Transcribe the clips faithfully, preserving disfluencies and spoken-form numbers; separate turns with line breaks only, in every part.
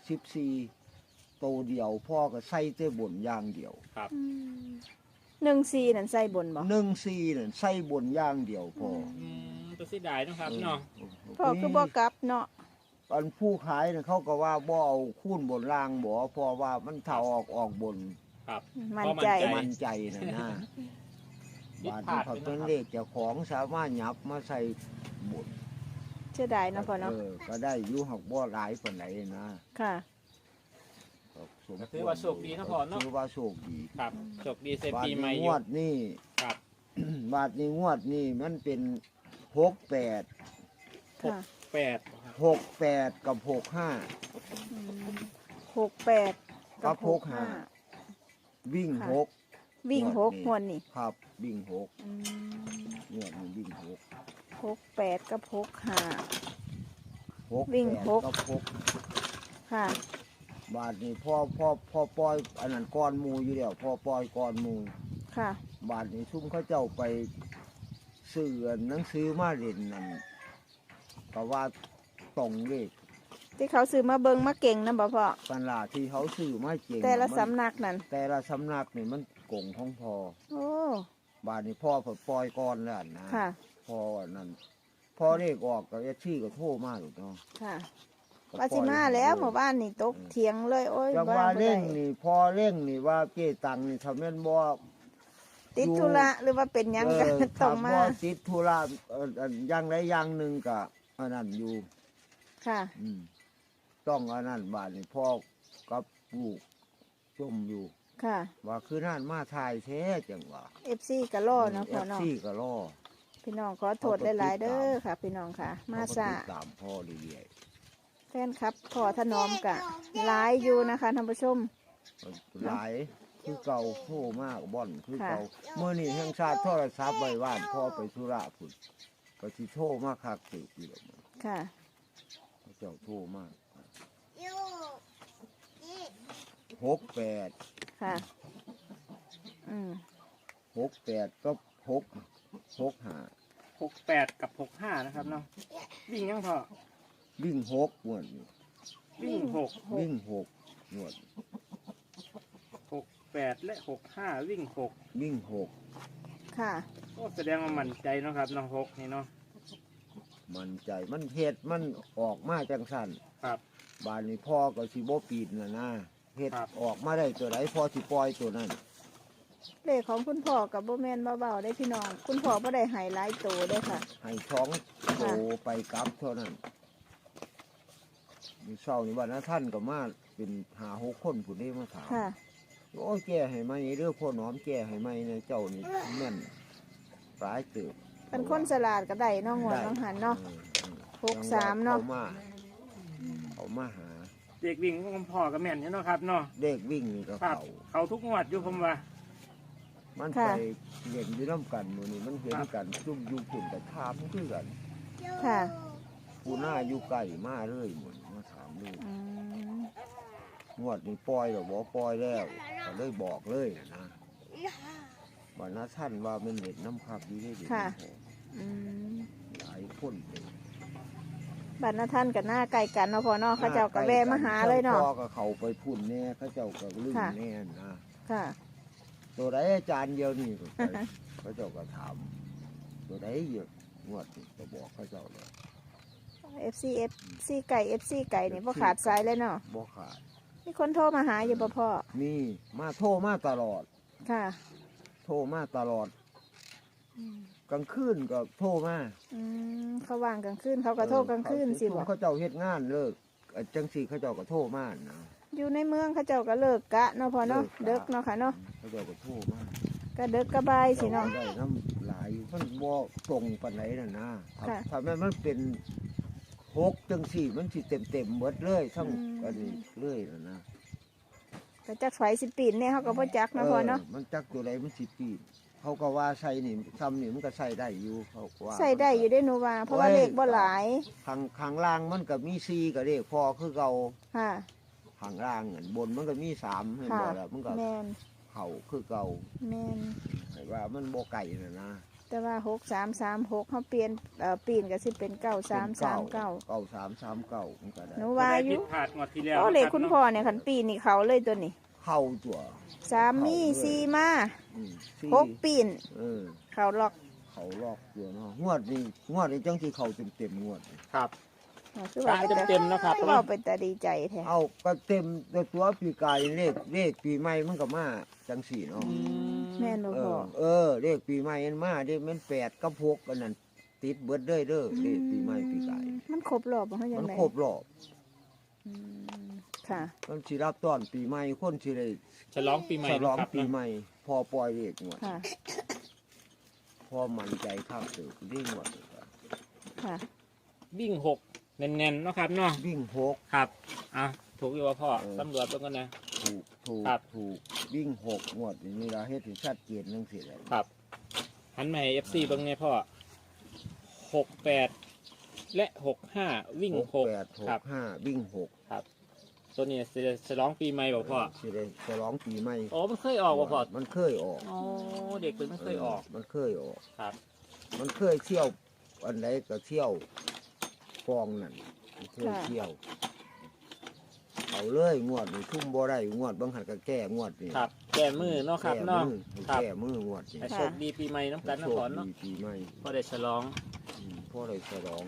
สิบสี่โตเดียวพ่อก็ใส่แต่บนอย่างเดียว
ครับ
หนึ่งสี่นั่นใส่บนบ่
หนึ่งสี่นั่นใส่บนอย่างเดียวพ่อ
อืมตัวสีดายเนาะครับเนาะ
พ่อคือบ่กลับเนาะ
อันผู้ขายน่ะเขาก็ว่าบ่เอาคูณบนล่างบ่เพราะว่ามันถ้าออกออกบน
ครับ
มั่นใจ
พอ
มั่นใจนะนะ
ผิด
บาท
พลา
ที่
ด
เขา
ไป
เป็น
เนาะครับ
เลขเจ้าของสามารถหยับมาใส่บน
เสียดายเนาะพ่อเนาะ
เออก็ได้อยู่หักบ่หลายปานใดนะ
ค่ะ
สม
ก็ถือว่าโชคดีนะพ่อเนาะ
ถือว่าโชคดี
ครับโชคดีเซ
บาท
ปีใหม่
นี้
อง ยู่
วดนี่
ครับ
บาทนี้งวดนี่มันเป็นหกแปด
ค่ะ
แปดครับ
หกแปดกับหกห้า
อืมหกแปด
กับหกห้า วิ่ง
ค่ะ
หก
วิ่งหก
ง
ห
ว
ว
ด
ด
นี้
นี่
ครับวิ่งหก
อืม
งวดนี้วิ่งหก
หกแปดกับหกห้า
หก
วิ่ง
แปด
หก
กับหก
ค่ะ
บาทนี้พ่อพ่อพ่อปล่อยอันนั้นก้อนหมูอยู่แล้วพ่อปล่อยก้อนหมู
ค่ะ
บาทนี้ซุ่มเขาเจ้าไปซื้อหนังสือมาเรียนนั่นก็ว่าตรงเลข
ที่เขาซื้อมาเบิงมาเก่งนะบ่พ่อ
กันลาที่เขาซื้อมาเก่ง
แต่ละ
มัน
สำนักนั่น
แต่ละสำนักนี่มันโกงของพ่อ
โอ้
บาทนี้พ่อเพิ่นปล่อยก้อนแล้วนะ
ค่ะ
พ่อนั่นพ่อเลขออกก็เอชชี่ก็โทรมาหรอกเนาะ
ค่ะ
ก็
ว่าสิมาแล้วหมู่บ้านนี่ตกเถียงเลย โอ้ย
จัง
บ้
ว่า
บ่
เร่
ได้
งนี่พอเร่งนี่ว่าเก้ตังนี่ทำแม่นบ่
ติดธุระหรือว่าเป็นหยังกัน
เออ
ต้องมา
ถ้บ่ติดธุระเอ่ออันอย่างใดอย่างหนึ่งก็อันนั้นอยู่
ค่ะ
อืมต้องอันนั้นบาดนี่พ่อกับลูกจมอยู่
ค่ะ
ว่าคือนั่นมาทายแท้จังว่า
เอฟซีก็รอเนาะพ่อเนาะ
ซี่ก็รอ
พี่น้องขอโทษหลายๆเด้อค่ะ พี่น้องค่ะ มา
เขก็
ซา
ติดตามพ่อเรื่อย
แฟนครับพ่อถนอมกะหลายอยู่นะคะท่านผู้ชม
ๆหลายคือเก่าโทรมากบ่อนคือเก่า
ค่ะ
เมื่อนี้แห่งชาติโทรศัพท์ไว้ว่านพ่อไปธุระพุ่นก็สิโทรมาคักตึกอยู่แล้วมัน
ค่ะ
เขาเจ้าโทรมากหกแปด
ค่ะ อืม
หกแปดก็หกหกห้า
หกแปดกับหกห้านะครับเนาะวิ่งยังพอ
วิ่งหกงวดนี้
วิ่งหก
วิ่งหกงวด
หกแปดและหกห้าวิ่งหก
วิ่งหก
ค่ะ
ก็แสดงว่ามั่นใจเนาะครับเนาะหกนี่เนาะ
มันใจมันเหตุมันออกมาจังสัน
ครับ
บานนี้พ่อก็สิบ่ปีนนะนะเหตุ
ครับ
ออกมาได้ตัวไหนพ่อสิปล่อยตัวนั้น
เลขของคุณพ่อกับโบแมนเบาๆได้พี่น้อง คุณพ่อบ่ได้ใหายหลายตัวเด้อค่ะ
ให้ท้องโตไปกลับเท่านั้นมีเศร้านี่วันนั้นท่านก็มาเป็นหาหกคนผู้นี้มาถาม
ค่ะ
โอ้ยแก้ให้ไหมเรื่องพ่อหนอมแก้ให้ไหมเนี่ยเจ้านี่แม่นร้ายเติบ
เป็นคนสลาดก็ได้เน้องหัวน้องหันเนาะ
เออเออ
หกสามเนาะ
อมาเอามาหา
เด็กวิ่งของพ่อกับแม่นเนาะครับเนาะ
เด็กวิ่งนี่ก็
ครับ
เขา
เขาทุกงวดอยู่ผมว่า
มัน
ค่ะ
ไปเห็นอยู่น้ำกันหมือนี่มันเห็นกันจุ่มอยู่ฝุ่นกับทามคือกัน
ค่ะ
ผู้หน้าอยู่ไก่มาเลยหมดมาถามเลย
อืม
งวดนี้ปล่อยหรอบอกปล่อยแล้วก็เลยบอกเลยนะวันนั้นท่านว่ามันเห็นน้ำขับดีได้ดี
อืม
หลายคนเลย
บัตรนาท่านกับหน้าไก่กันเนาะพ่อเนาะเขาเจ้าก็แวะมาหาเลยเนาะ
พ่อก็เขาไปพุ่นแน่เขาเจ้าก็ลืม
ค่ะ
แน่นะ
ค่ะ
ตัวไหนอาจารย์เดียวนี่ก็ไป เขาเจ้าก็ถามตัวไหนเยอะงวดนี่ก็บอกเขาเจ้าเลย
เอฟซีเอฟซีไก่เอฟซีไก่นี่พ่ขาดสายเลยเนาะ
บ่ขาด
มีคนโทรมาหาอยู่บ่พ่อ
มีมาโทรมาตลอด
ค่ะ
โทรมาตลอดกลางคืนก็โทรมา
อืมเขาว่างกลางคืนเขาก็โทรกลางคืนสิบ่
เขาเจ้าเฮ็ดงานเลิกเอ่อจังสีเขาเจ้าก็โทรมานะ
อยู่ในเมืองเขาเจ้าก็เลิกกะเนาะพ่อเนาะ
เลิ
เด็
ก
ก
กะ
เนาะค่ะเนาะ
เขาเจ้าก็โทรมา
ก็เด็กก็บายสิเนาะ
ได้น้ำหลายอยู่มันบ่ตรงปานไหนน่ะนะถ้า
ค่ะ
ถ้าแม่นมันเป็นหกจังสี่มันสิเต็มเต็มๆเบิดเลยทั้ง
อืม
อันนี้เลยน่ะนะ
ก็จักไฟสิปีนเนี่ยเขาก็บ่จักเนาะพ่อเนาะ
มันจักตัวใดมันสิปีนเขาก็ว่าใส่นี่ซ้ำนี่มันก็ใส่ได้อยู่เขาก็ว่า
ใส่ได้อยู่ได้หนูว่า เพราะว่าเลขบ่หลาย
ข้างข้างล่างมันก็มีสี่ก็เลขพอคือเก่า
ค่ะ
ข้างล่างอันบนมันก็มีสามเห็น
ค่ะ
บ่แล้วมันก็
แมน
เข่าคือเก่า
แมน
ให้ว่ามันบ่ไก่น่ะนะ
แต่แต่ว่าหกสามสามหกเขาเปลี่ยนเอ่อปีนก็สิเป็นเก้าสามสามเก้า
เก้าสามสามเก้ามันก็ได้
หนูว่าอยู่
ผิดพลาดงวดที่แล้ว
โอ้เลข
นะรับ
คุณพ่อเนี่ยคันปีนี่เขาเลยตัวนี้
เข้าตัว
สามมีสี่มา
อืมสี่
หกปีน
เออ
เขาล็อก
เขาลอกตัวเนาะงวดนี้งวดนี้จังที่เขาเต็มเต็มๆงวดนี้
ครับ
คือว่า
ตามเต็มๆนะครับ
เราเป็นแต่ดีใจแท้
เอาก็เต็มตัวตัวปีกายเลขเลขปีใหม่มันก็มาจังสี่เนาะ
แม่นบ่
เอ
พ่อ
อเออเลขปีใหม่มันมาเด้มันแปดกับหกกันนั่นติดเบิดเด้อเด้อเลขปีใหม่ปีกาย
มันครบรอบบ่เฮาจั
มั
ง
น
ได๋
ครบรอบ
อืมค่ะ
มันสิรับต้อนปีใหม่คนสิได้
ฉลองปีใหม่
ฉลอง
นะครับ
ปี
นะ
ใหม่ พอปล่อยเลขงวด
ค่ะ
พอมั่นใจข้ามตื่นวิ่งงวด
ค่ะ
วิ่งหกแน่นๆเนาะครับเนาะ
วิ่งหก
ครับอ่ะถูกอยู่ว่าพ่อ
เออ
ตำรวจต้องกันนะ
ถูกถูก
ครับ
ถูกวิ่งหกงวดนี่เราเฮ็ดให้ชัดเจนจังซี่แหละ
ครับหันมาให้เอฟซีเบิ่งไงพ่อหกแปดและหกห้าวิ่ง
หก
หก
แปดห
ครั
ก
บ
ห้าวิ่งหก
ตัวนี้จะฉลองปีใหม่บอกพ่อ
สิได้ฉลองปีใหม่
โอ้มันเคยออกบ่พ่อ
มันเคยออก
โอ้เด็กเป็นไม่เคยออก
มันเคยออก
ครับ
มันเคยเที่ยวอันไหนก็เที่ยวฟองนั่นมันเคย
ค่ะ
เที่ยวเอาเลยงวดนี่ทุ่มบ่ได้งวดบางหันก็แก้งวดนี่
ครับ แก้มือเนาะครับ
แก้
เนาะ
มือ
ครับ
แก้มืองวดนี่
ให้โชคดีปีใหม่น้ำกันนะ
โช
พ่อ
ค
เนาะ
ดีปีใหม่
พ่อได้ฉลอง
อืมพ่อได้ฉลอง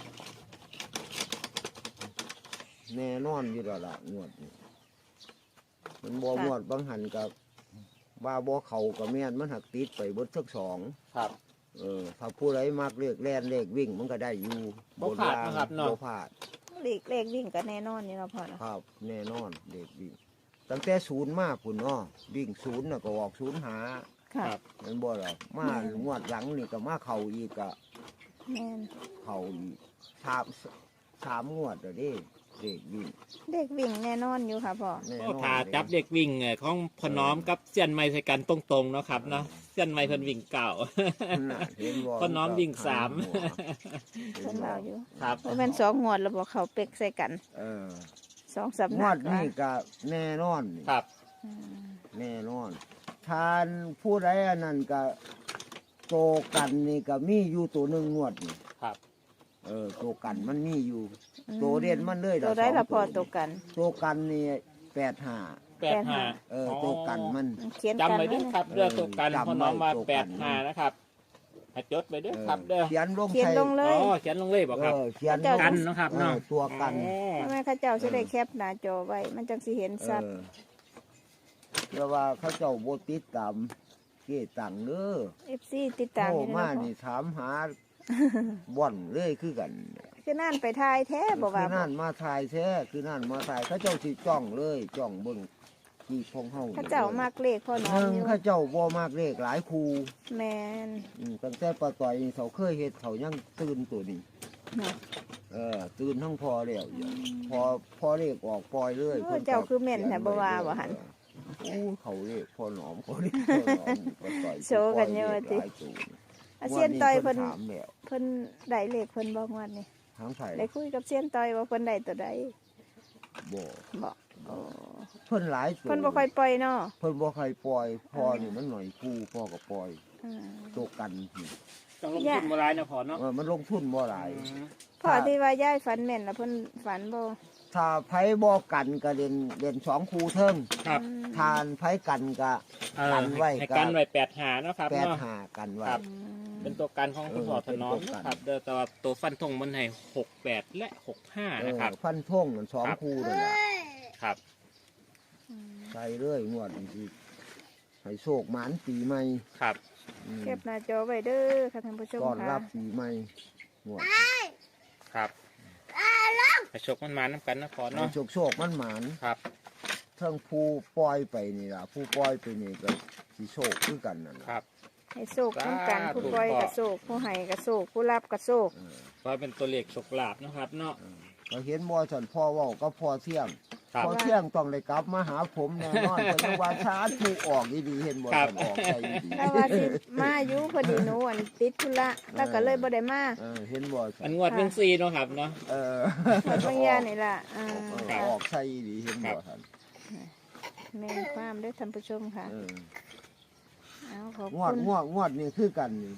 แน่นอนอยู่แล้วล่ะงวดนี่มันบ่
ค่ะ
งวดบางหันกับว่าบ่เขากับแม่นมันหักติดไปเบิดทั้งสอง
ครับ
เออถ้าผู้ใดมักเลขแล่นเลขวิ่งมันก็ได้อยู่
บ่พลาดนะครับเนาะ
บ่พลาด
เลขเลขวิ่งก็แน่นอนนี่เนาะพ่อเนาะ
ครับแน่นอนเลขวิ่งตั้งแต่ศูนย์มาพุ่นเนาะวิ่งศูนย์น่ะก็ออกศูนย์หา
ค่ะ
ครับ
แมันบ่หรอกมางวดหลังนี่ก็มาเข่าอีกก็
แม่น
เข่าอีกสามสามงวดแล้วเด้เลขวิ่ง
เลขวิ่งแน่นอนอยู่ค่ะพ่อ
แน่น
ก็
อน
ถ้าจับเด็กวิ่งเอ่อของพอน้อมกับเสี้ยนไม้ใส่กันตรงๆเนาะครับเนาะเสี้ยนไม้เพิ่นวิ่งเก่า
น่ะเห็นบ่
พ่อน้อมวิ่งสาม
เพิ่นเล่าอยู่
ครับ
เพราะมันสองงวดแล้วบ่เขาเป็กใส่กัน
เออ
สองสำ
ง
นั
ว
ก
ดนี้ก็แน่นอนนี่
ครับ
อืม
แน่นอนทานผู้ใดอันนั้นก็โตกันนี่ก็มีอยู่ตัวหนึ่งงวดนี่
ครับ
เออโตกันมันมีอยู่โตเด่นมันเลย
ตัวได้ละพอตัวกัน
โตกันนี่แปดห้า
แปดห้า
เออโตกันมัน
เขียนกัน
จำไว้ด้วยครับเรื่องตัวกัน
จำไว้
พอน้อมมา
ตัวกัน
แปดห้านะครับให้จดไปด้วย
เออ
ครับเด้อ
เขียนลง
เขียน
ใส่
ลงเล
อ๋
ย
อเขียนลงเลยบอกครับ
เออเขียน
เจ้า
กันเนาะครับ
เอ
เนาะ
อตัวกัน
อ๋อ
ทำไมเข้าเจ้าจะได้แคปหน้าจอไว้ มันจังสิเห็นชัด
เออเรียกว่าเขาเจ้าโบติดตามเกตังเด้อ
เอฟซีติดตาม
โทร
อยู่
มา
นะพ่อ
นี่ถามหา บ่อนเลยคือกัน
คือนั่นไปทายแท้บ่ว่า
คือ
บ่
นั่นมาถ่ายแท้คือนั่นมาถ่ายเขาเจ้าสิจ้องเลยจ้องเบิ่งที่พงเฮา
เข้าเจ้ามากเลขพ่อน้อ
ห
ม
นึ่ง
อยู่
เขาเจ้าบ่มากเลขหลายครู
แมน
อืมตั้งแต่ปะต่อยนี่เขาเคยเฮ็ดเขายังตื่นตัวนี้
นะ
เออตื่นทั้งพอแล้วอย่างพอพอเลขออกปล่อยเลย
โอ้เจ้าคือแม่นแท้บ่ว่าบ่หัน
โอ้เขาเลขพอหนอมเขาเลขพอหนอมปะต่อย
โชว์กันเยอะติ
หลายตัว
อาเซียนต่อยเพิ่น
ถามแล้ว
เพิ่นได้เลขเพิ่นบ่งวดนี่
ทางไผ
ได้คุยกับเซียนต่อยว่าเพิ่นได้ตัวใด
บ่
บ่โอ้
เพิ่นหลายตัว
เพิ่นบ่ค่อยปล่อยเนาะ
เพิ่นบ่ค่อยปล่อยพอนี่มันหน่อยครูพ่อก็ปล่อย
อืม
ตัวกันนี่
ต้องลงทุนมาหลายนะพอเนาะ
เออมันลงทุนบ่หลาย
อืม
พ่อที่ว่ายายฝันแม่นแล้วเพิ่นฝันบ่
ถ้าไผบ่กันก็เล่นเล่นสองคู่เทิง
ครับ
อืม
ทานไผกันก็
เออ
กันไว้
ให้
ก็
กันไว้แปดหาเนาะครับ
แปด
เนาะ
หากันไว้
ครับ
อืม
เป็นตัวกันของคุณพ่อ
เออ
ถนอม
เป็นตัวกัน
นะครับเด้อแต่ว่าตัวฟันธงมันให้หกแปดและหกห้า
เอ
นะ
อ
ครับ
ฟันทงมันสอง
ครับ
คู่นั่นล่ะ
ครับ
อืม
ใส่เลยงวดนี้สิให้โชคหมานปีใหม่
ครับ
อืม
เก็บหน้าจอไว้เด้อค่ะท่านผู้ชม
ต้อน
ค่ะ
รับปีใหม่งวด
ครับให้โชคมันมาน้ำกันนะพอ
ให้
เนาะ
โชคโชคมันหมาน
ครับ
เทั้งผู้ปล่อยไปนี่ล่ะผู้ปล่อยไปนี่ก็สิโชคคือกันนั่น
ค
ล่ะ
รับ
ให้โศกทั้งกัน
สาธุ
ผู้ปล่อยกับโศกผู้ให้กับโศกผู้รับกับโศก
เออ
ก็เป็นตัวเลขโชคลาภนะครับเนาะ
เออก็เห็นบ่ฉันพ่อเว้าก็พ่อเที่ยง
ครับ
พอเที่ยงต้องได้กลับมาหาผมแน่นอนแต่ว่าช้าถูกออกดีๆเห็นบ่
ครับ
ฉันออกใจดี
ถ้าว่าสิมาอยู่พอดีหนูอันติดธุระแล้วก็เลยบ่ได้มา
เออเห็นบ่ฉั
อั
น
นงวดหนึ่งสี่เนาะครับเนาะ
เออ
หมดบางยานี่ล่ะอ่า
เออ
ค่ะ
ออกใจดีเห็นบ่ฉัน
แม่นความเด้อท่านผู้ชมค่ะ
เออ
เอาขอบ
งวด
คุณ
งวดงวดนี่คือกันนี่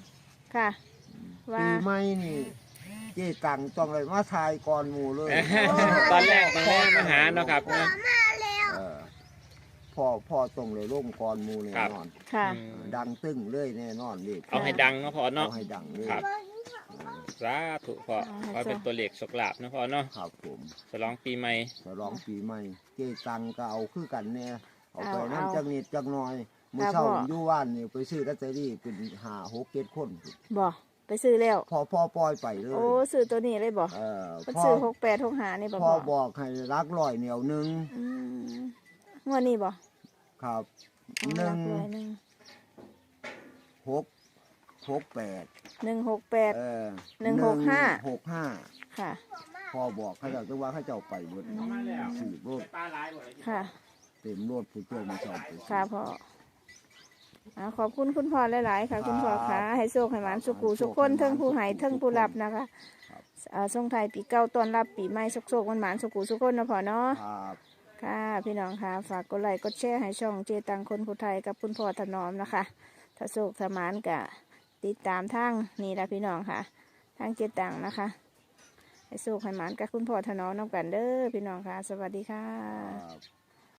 ค่ะ ว่า
ปีใหม่นี่เจ๊ตังต้องเลยมาทายก่อนหมู่เลย
ตอนแรกมันแม่มาหาเนาะครับนะ
เออพ่อพ่อต้องเลยร่มก่อนหมู่แน่
ครับ
นอน
ค่ะ
อืม
ดังตึ้งเลยแน่นอนนี่
เอาให้ดังเนาะพ่อเนาะ
เอาให้ดังเลย
ครับ สาธุพ่อขอเป็นตัวเลขสกลาบเนาะพ่อเนาะ
ครับผม
ฉลองปีใหม่
ฉลองปีใหม่เจ๊ตังก็เอาคือกันแน่เอาไป
เอา
น้ำ
เอา
จังนิดจังหน่อยมื้อ
ครับ
เช้า
พ่อ
อยู่บ้านนี่ไปซื้อลอตเตอรี่เป็นห้าหกเจ็ดคน
บ่ไปซื้อแล้ว
พอพ่อปล่อยไปเลย
โอ้ซื้อตัวนี้เลยบ่
เออ
มัน
พ่อ
ซื้อหกแปดหกห้านี่บ่
พ่
พ่
อ
อ
บอกให้รักร้อยเหนียวหนึง
อืมงวดนี้บ่
ครับ
อ๋อ
หนึ่
รั
ง
กร้อยหนึ่ง
หกหกแปด
หนึ่งหกแปด
เออ
หนึ่งหกห้า
หกห้า
ค่ะ
พ่อบอกเขาเจ้าจะว่าเขาเจ้าไปเบิดสี่รถ
ปลาหลายบ่
ค่ะ
เต็มรถผู้ช่วยมาสอบไป
ค่ะพ่ออ่าขอบคุณคุณพ่อหลาย ๆ ค่ะ คุณพ่อค่ะให้โชคให้หมานสุขูสุขคนเทิงผู้ให้เทิงผู้รับนะคะเอ่อส่งไทายปีเก่าต้อนรับปีใหม่สุขๆหวานๆสุขูสุขคนนะพ่อเนาะ
ครับ
ค่ะพี่น้องค่ะฝากกดไลค์กดแชร์ให้ช่องเจตังคนผู้ไทยกับคุณพ่อถนอมนะคะถ้าโชคถ้าหมานกะติดตามทางนี่ละพี่น้องค่ะทางเจตังนะคะให้โชคให้หมานกับคุณพ่อถนอมน้ำกันเด้อพี่น้องค่ะ สวัสดีค่ะ
ครับ